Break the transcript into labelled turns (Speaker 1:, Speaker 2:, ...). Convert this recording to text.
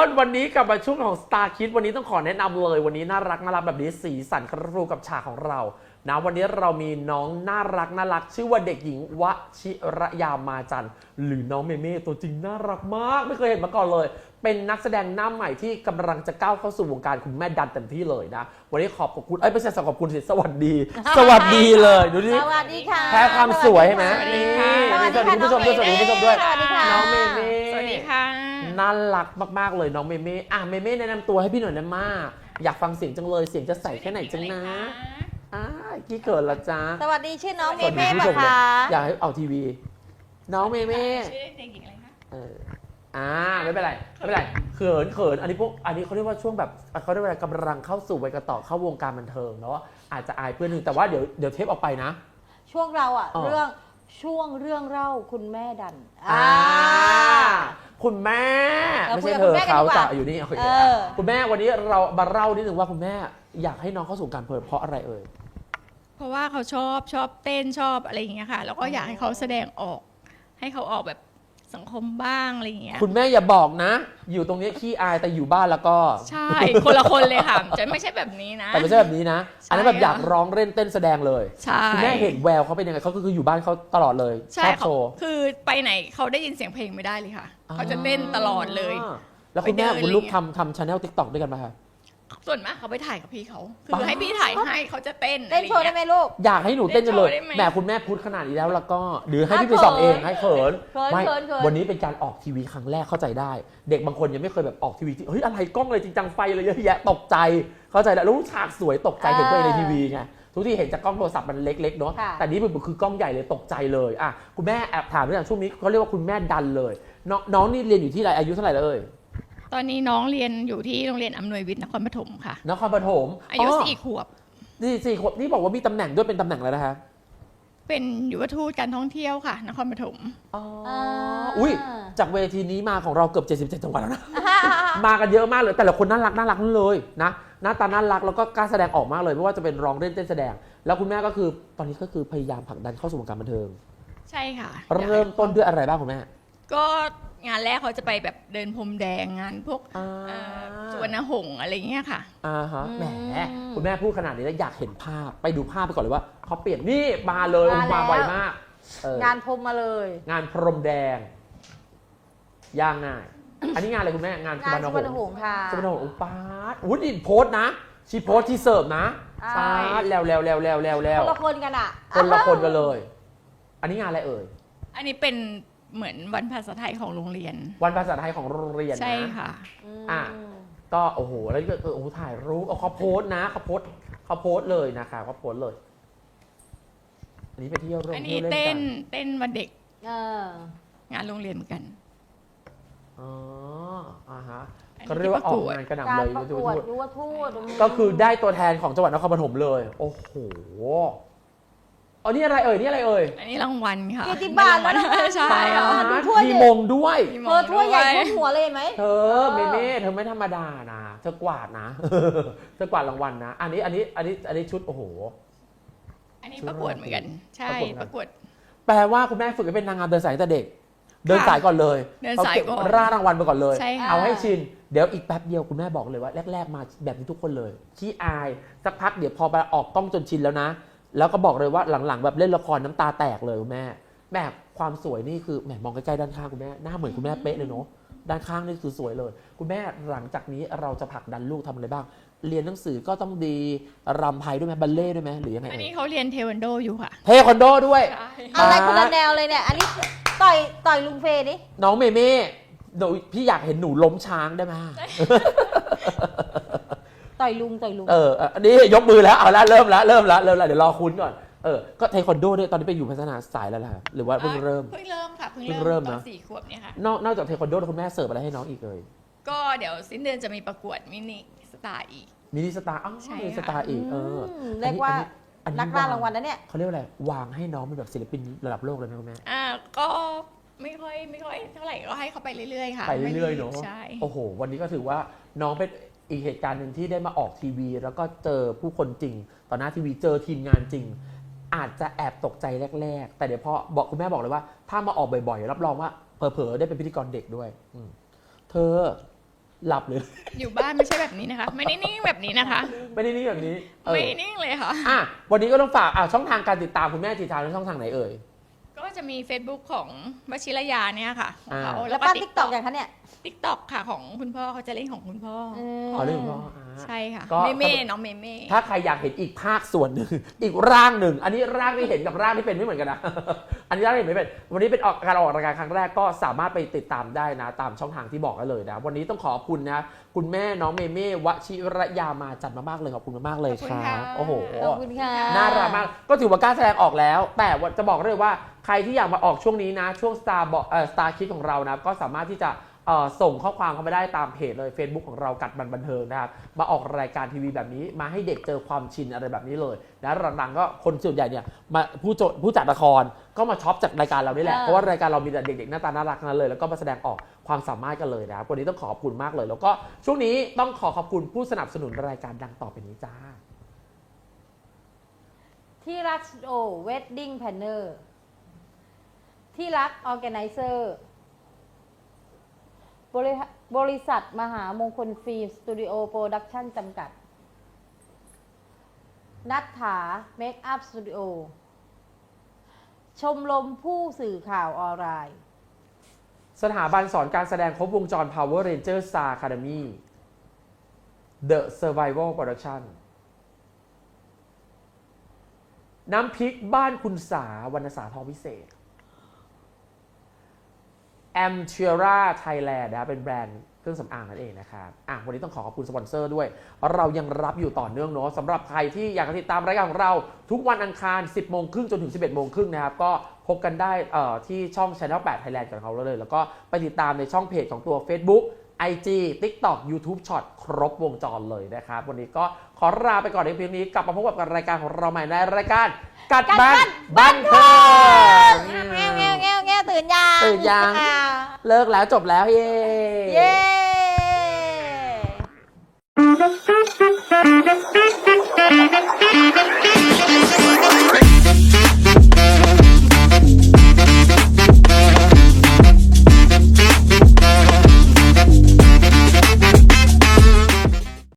Speaker 1: คนวันนี้กลับมาช่วงของ Star Kids วันนี้ต้องขอแนะนำเลยวันนี้น่ารักแบบนี้สีสันครูกับฉากของเรานะวันนี้เรามีน้องน่ารักชื่อว่าเด็กหญิงวชิรยามาจันทร์หรือน้องเมเม่ตัวจริงน่ารักมากไม่เคยเห็นมาก่อนเลยเป็นนักแสดงหน้าใหม่ที่กำลังจะก้าวเข้าสู่วงการคุณแม่ดันเต็มที่เลยนะวันนี้ขอบคุณไม่ใช่ขอบคุณสิสวัสดี สวัสดีเลยดูดิ
Speaker 2: สวัสดีค่ะ
Speaker 1: แพ้ความสวยใช่ไหม
Speaker 3: สวัสดีค่ะ
Speaker 1: สวัสดีคุณผู้ชมด้วยสวัสดีคุณผู้ชมด้วย
Speaker 2: สวัสดีค่ะ
Speaker 1: น้องเมเม่
Speaker 3: สวัสดีค่ะ
Speaker 1: น่ารักมากๆเลยน้องเมเม่เมเม่แนะนำตัวให้พี่หน่อยนะมาอยากฟังเสียงจังเลยเสียงจะใสแค่ไหนจังนะกี่เกิดละจ้า
Speaker 2: สวัสดีชื่อน้องเม
Speaker 1: สวัสดี
Speaker 2: เม่
Speaker 1: ผู้ช
Speaker 2: ปะ
Speaker 1: มเลย
Speaker 2: คะ
Speaker 1: อยากให้เอาทีวี น้องเมเม่
Speaker 3: ชื่อเด็กหญิงอะไรคะ
Speaker 1: ไม่เป็นไรเขินอันนี้เขาเรียกว่าช่วงแบบเขาเรียกว่ากำลังเข้าสู่วัยกระต่อเข้าวงการบันเทิงเนาะอาจจะอายเพื่อนหนึ่งแต่ว่าเดี๋ยวเทปออกไปนะ
Speaker 2: ช่วงเรา
Speaker 1: อ๋อ
Speaker 2: เรื่องเล่าคุณแม่ดัน
Speaker 1: คุณแม่
Speaker 2: เรา
Speaker 1: ไม่
Speaker 2: คุย
Speaker 1: ใช่
Speaker 2: กับ
Speaker 1: เธอ
Speaker 2: คุณแม่กัน
Speaker 1: เขา
Speaker 2: ดีกว่า
Speaker 1: จะอยู่นี่โอเค คุณแม่วันนี้เรามาเล่านิดนึงว่าคุณแม่อยากให้น้องเข้าสู่การเปิดเพราะอะไรเอ่ย
Speaker 3: เพราะว่าเขาชอบเต้นชอบอะไรอย่างเงี้ยค่ะ แล้วก็อยากให้เขาแสดงออก ให้เขาออกแบบสังคมบ้างอะไรอย่างเงี้ย
Speaker 1: คุณแม่อย่าบอกนะ อยู่ตรงนี้ขี้อายแต่อยู่บ้านแล้วก็
Speaker 3: ใช่ คนละคนเลยค่ะ จะไม่ใช่แบบนี้นะ
Speaker 1: แต่ไม่ใช่แบบนี้นะ
Speaker 3: ใช่
Speaker 1: อันนั้นแบบอยากร้องเล่นเต้นแสดงเลย
Speaker 3: ใช่
Speaker 1: คุณแม่เห็นแววเขาเป็นยังไงเขาก็คืออยู่บ้านเขาตลอดเลยช
Speaker 3: ใช่
Speaker 1: อบ
Speaker 3: เขา
Speaker 1: โชว์
Speaker 3: คือไปไหนเขาได้ยินเสียงเพลงไม่ได้เลยค่ะ เขาจะเต้นตลอดเลย
Speaker 1: แล้วคุณแม่
Speaker 3: ไปเดิน
Speaker 1: คุณลูก
Speaker 3: อะไรเงี้ย
Speaker 1: ทำชาแนลติ๊กต็อกด้วยกันไหมคะ
Speaker 3: ส่วนมากเขาไปถ่ายกับพี่เขา คื
Speaker 1: ป๊า
Speaker 3: อให้พี่ถ่ายให้เขาจะเต้น
Speaker 2: เล่นโชว์ได้ไหมลูก
Speaker 1: อยากให้หนูเต้นจังเลย
Speaker 3: เล่นโชว์ได้ไหม
Speaker 1: แหมคุณแม่พูดขนาดนี้แล้วก็หรือให้
Speaker 2: อ่ะ
Speaker 1: พี่ไปส่องเอง
Speaker 2: เขิน
Speaker 1: ให้เขิน
Speaker 2: เขิน
Speaker 1: ไม่
Speaker 2: เขิน
Speaker 1: วันนี้เป็นการออกทีวีครั้งแรกเข้าใจได้ เด็กบางคนยังไม่เคยแบบออกทีวีที่เฮ้ยอะไรกล้องอะไรจริงจังไฟอะไรเยอะแยะตกใจเข้าใจแล้วรู้ฉากสวยตกใจเห็นตัวเองในทีวีไงทุกที่เห็นจากกล้องโทรศัพท์มันเล็กๆเนาะ
Speaker 2: ค่ะ
Speaker 1: แต่นี้มันคือกล้องใหญ่เลยตกใจเลยคุณแม่แอบถามเรื่องช่วงนี้เขาเรียกว่าคุณแม่ดันเลยน้องนี่เรียนอยู่ที่ไหนอายุเท่าไหร่แล้วเอ่ย
Speaker 3: ตอนนี้น้องเรียนอยู่ที่โรงเรียนอำนวยวิทย์นครปฐมค่ะ
Speaker 1: นครปฐม
Speaker 3: อายุ4 ขวบ
Speaker 1: นี่4 ขวบนี่บอกว่ามีตำแหน่งด้วยเป็นตำแหน่งอะไรนะคะ
Speaker 3: เป็นยุวทูตการท่องเที่ยวค่ะ นครปฐม
Speaker 1: อุ้ยจากเวทีนี้มาของเราเกือบ77จังหวัดแล้วนะ มากันเยอะมากเลยแต่ละคนน่ารักนั่นเลยนะหน้าตาน่ารักแล้วก็กล้าแสดงออกมากเลยไม่ว่าจะเป็นร้องเล่นเต้นแสดง แล้วคุณแม่ก็คือตอนนี้ก็คือพยายามผลักดันเข้าสู่วงการบันเทิง
Speaker 3: ใช่ค่ะ
Speaker 1: เริ่มต้นด้วยอะไรบ้างคุณแม่
Speaker 3: ก็งานแรกเขาจะไปแบบเดินพรมแดงงานพวกสุวรรณหงส์อะไรเงี้ยค่ะ
Speaker 1: แหมคุณแม่พูดขนาดนี้แล้วอยากเห็นภาพไปดูภาพไปก่อนเลยว่าเขาเปลี่ยนนี่มาเลยมาไวมาก
Speaker 2: งานพรมมาเลย
Speaker 1: งานพรมแดงย่างง่าย อันนี้งานอะไรคุณแม่งานสุ
Speaker 2: งา
Speaker 1: วน รรณ
Speaker 2: สุ
Speaker 1: ห
Speaker 2: วรรณ
Speaker 1: ง
Speaker 2: ห
Speaker 1: ส์
Speaker 2: งส์ค่ะ
Speaker 1: สุวรรณหงส์อุปาทอุ้ยนี่โพสต์นะชีโพสต์ที่เสิร์ฟนะ
Speaker 2: ใช่
Speaker 1: ปาดแล้ว
Speaker 2: คนละคนกันอ่ะ
Speaker 1: คนละคนกันเลย อันนี้งานอะไรเอ่ย
Speaker 3: อันนี้เป็นเหมือนวันภาษาไทยของโรงเรียน
Speaker 1: วันภาษาไทยของโรงเรียนนะ
Speaker 3: ใช่ค่ะ
Speaker 1: อ่ะ ก็โอ้โหแล้วก็โอ้โหถ่ายรูปเขาโพสต์นะเขาโพสต์เลยนะคะเขาโพสต์เลย อันนี้ไปเที่ยวร่วม
Speaker 3: อัน
Speaker 1: เที่
Speaker 3: นี้
Speaker 1: ยวเล่น
Speaker 3: เต้
Speaker 1: กัน
Speaker 3: เต้นวันเด็ก
Speaker 2: เออง
Speaker 3: านโรงเรียนเหมือนกัน
Speaker 1: อ๋อฮะ
Speaker 3: อันนี้
Speaker 1: ก็เรียกว่าออก
Speaker 3: ประกวด
Speaker 1: งานกระห
Speaker 2: การ
Speaker 1: น่ำเลย
Speaker 2: ประกวดยุวทูต
Speaker 1: ก็คือได้ตัวแทนของจังหวัดนครปฐมเลย โอ้โหนี่อะไรเอ่ยนี่อะไรเอ่ย
Speaker 3: อันนี้รางวัลค่ะ
Speaker 2: เกียรติบัตร
Speaker 3: เป็น
Speaker 2: แล้วนะ
Speaker 3: ใช่ค่ะ
Speaker 2: ดูถ้วย
Speaker 1: มี
Speaker 2: ดิ
Speaker 1: มงด้วย
Speaker 3: มี
Speaker 2: เธอถ้วยใหญ่ท่วมหัวเลยเห็นไหม
Speaker 1: เธอเมเม่เธอไม่ธรรมดานะเธอกวาดนะ เธอกวาดรางวัลนะ อันนี้ชุดโอ้โห
Speaker 3: อันนี้ประกวดเหมือนกัน ใช่
Speaker 1: ประกวด
Speaker 3: ประกวด
Speaker 1: แปลว่าคุณแม่ฝึกให้เป็นนางงามเดินสายตั้งแต่เด็ก เดินสายก่อนเลย
Speaker 3: เดินสายก่อน
Speaker 1: เร่ารางวัลไปก่อนเลย
Speaker 3: ใช่ค่ะ
Speaker 1: เอาให้ชิน เดี๋ยวอีกแป๊บเดียวคุณแม่บอกเลยว่าแรกๆมาแบบนี้ทุกคนเลยขี้อายสักพักเดี๋ยวพอไปออกกล้องจนชินแล้วนะ แล้วก็บอกเลยว่าหลังๆแบบเล่นละครน้ำตาแตกเลยคุณแม่แม่ความสวยนี่คือแหมมองใกล้ๆด้านข้างคุณแม่หน้าเหมือนคุณแม่เป๊ะเลยเนาะด้านข้างนี่คือสวยเลย คุณแม่หลังจากนี้เราจะผลักดันลูกทำอะไรบ้าง เรียนหนังสือก็ต้องดีรำไทยด้วยไหมบัลเล่ต์ด้วยไหมหรือยังไง
Speaker 3: อันนี้เขาเรียนเทควันโดอยู่ค่ะ
Speaker 1: เทควันโดด้วย
Speaker 3: ใช่
Speaker 2: อะไรคนละแนวเลยเนี่ย อันนี้ต่อยลุงเฟย์ดิ
Speaker 1: น้องเมเม่พี่อยากเห็นหนูล้มช้างได้ไหม
Speaker 2: ต่อยลุง
Speaker 1: อันนี้ยกมือแล้วเอาละเริ่มละเดี๋ยวรอคุณก่อนก็เทควันโดด้วยตอนนี้ไปอยู่พัฒนาสายแล้วล่ะหรือว่าเพิ่งเริ่ม
Speaker 3: เพิ่งเริ่มค่ะ
Speaker 1: เพิ่งเริ่ม
Speaker 3: ตอ
Speaker 1: นะ
Speaker 3: น4 ขวบเนี่ยค่ะ
Speaker 1: นอกจากเทควันโดคุณแม่เสิร์ฟอะไรให้น้องอีกเลย
Speaker 3: ก็เดี๋ยวสิ้นเดือนจะมีประกวดมินิสตาร์อีก
Speaker 1: มินิสตาร์
Speaker 3: ใช่
Speaker 1: มินิสตาร์อีก
Speaker 2: เรียกว่า
Speaker 1: อั
Speaker 2: นักล่ารางวัลนะเนี่ย
Speaker 1: เขาเรียกว่าอะไรวางให้น้องเป็นแบบศิลปินระดับโลกเลยไหมคุณแม่
Speaker 3: ก็ไม่ค่อยเท่าไหร่ก็ให้เขาไปเรื่อยๆค่ะ
Speaker 1: ไปเรื่อยๆเนาะ
Speaker 3: ใช่
Speaker 1: โอ้โหวันนี้ก็ถือว่าน้องเป็นอีกเหตุการณ์หนึ่งที่ได้มาออกทีวี แล้วก็เจอผู้คนจริงต่อหน้าทีวีเจอทีมงานจริง อาจจะแอบตกใจแรกๆแต่เดี๋ยวพอบอกคุณแม่บอกเลยว่าถ้ามาออกบ่อยๆรับรองว่าเผลอๆได้เป็นพิธีกรเด็กด้วยเธอหลับเลย
Speaker 3: อยู่บ้านไม่ใช่แบบนี้นะคะ ไม่ได้นิ่งแบบนี้นะคะ
Speaker 1: ไม่ได้นี่แบบนี้
Speaker 3: ไม่นิ่งเลยค่ะ
Speaker 1: อ่ะวันนี้ก็ต้องฝากช่องทางการติดตามคุณแม่ทีทางช่องทางไหนเอ่ย
Speaker 3: ก็จะมี Facebook ของวชิรยาเนี่ยค่ะของเขา
Speaker 2: แล้วป้าติ๊กตอกอย่างคะเนี่ย
Speaker 3: TikTok ค่ะของคุณพ่อเขาจะเล่นของคุณพ่ออ
Speaker 1: อ๋อเรื่องของพ่อ
Speaker 3: ใช่ค่ะ
Speaker 1: ก็
Speaker 3: เม่น้องเม่
Speaker 1: ถ้าใครอยากเห็นอีกภาคส่วนหนึ่ง อีกร่างหนึ่ง อันนี้ร่างที่เห็นกับร่างที่เป็นไม่เหมือนกันนะ อันนี้ร่างที่เห็นไม่เป็น วันนี้เป็นการออกรายการครั้งแรกก็สามารถไปติดตามได้นะ ตามช่องทางที่บอกได้เลยนะ วันนี้ต้องขอบคุณนะ คุณแม่น้องเมเม่วชิรยามาจัดมากๆเลยขอบคุณมากๆเลยครับโอ้โห
Speaker 2: ขอบคุณค่ะ
Speaker 1: น่ารักมาก ก็ถือว่ากล้าแสดงออกแล้ว แต่ว่าจะบอกเลยว่าใครที่อยากมาออกช่วงนี้นะ ช่วง Star Kids ของเรานะ ก็สามารถที่จะส่งข้อความเข้ามาได้ตามเพจเลย Facebook ของเรากัดบันเทิงนะครับ มาออกรายการทีวีแบบนี้ มาให้เด็กเจอความชินอะไรแบบนี้เลยนะหลังๆก็คนส่วนใหญ่เนี่ยมาผู้จัดละครก็มาช็อปจากรายการเรานี่แหละ เพราะว่ารายการเรามีแต่เด็กๆหน้าตาน่ารักทั้งนั้นเลย แล้วก็มาแสดงออกความสามารถกันเลยนะครับวันนี้ต้องขอบคุณมากเลย แล้วก็ช่วงนี้ต้องขอบคุณผู้สนับสนุนรายการดังต่อไปนี้จ้า
Speaker 2: ที่รักสตูดิโอเวดดิ้งแพนเนอร์ที่รักออแกไนเซอร์บริษัทมหามงคลฟิล์มสตูดิโอโปรดักชั่นจำกัด นัทถาเมคอัพสตูดิโอชมรมผู้สื่อข่าวออนไลน์
Speaker 1: สถาบันสอนการแสดงครบวงจร Power Ranger Star Academy The Survival Production น้ำพริกบ้านคุณสาวรรณสาทองวิเศษ a m t i r a Thailand นะเป็นแบรนด์เครื่องสำอางนั่นเองนะครับวันนี้ต้องขอบคุณสปอนเซอร์ด้วย เรายังรับอยู่ต่อเนื่องเนาะสำหรับใครที่อยากติดตามรายการของเราทุกวันอังคาร 10 โมงครึ่งจนถึง 11 โมงครึ่งนะครับก็พบกันได้ที่ช่อง Channel 8 Thailand ของเขาเลยแล้วก็ไปติดตามในช่องเพจของตัว Facebook IG TikTok YouTube Short ครบวงจรเลยนะครับวันนี้ก็ขอลาไปก่อนในเพียงนี้กลับมาพบกับรายการของเราใหม่ในรายการกัดบ้านบันเทิง
Speaker 2: แง่ตื่นยัง
Speaker 1: ตื่นยัง เลิกแล้วจบแล้วเย้
Speaker 2: เย้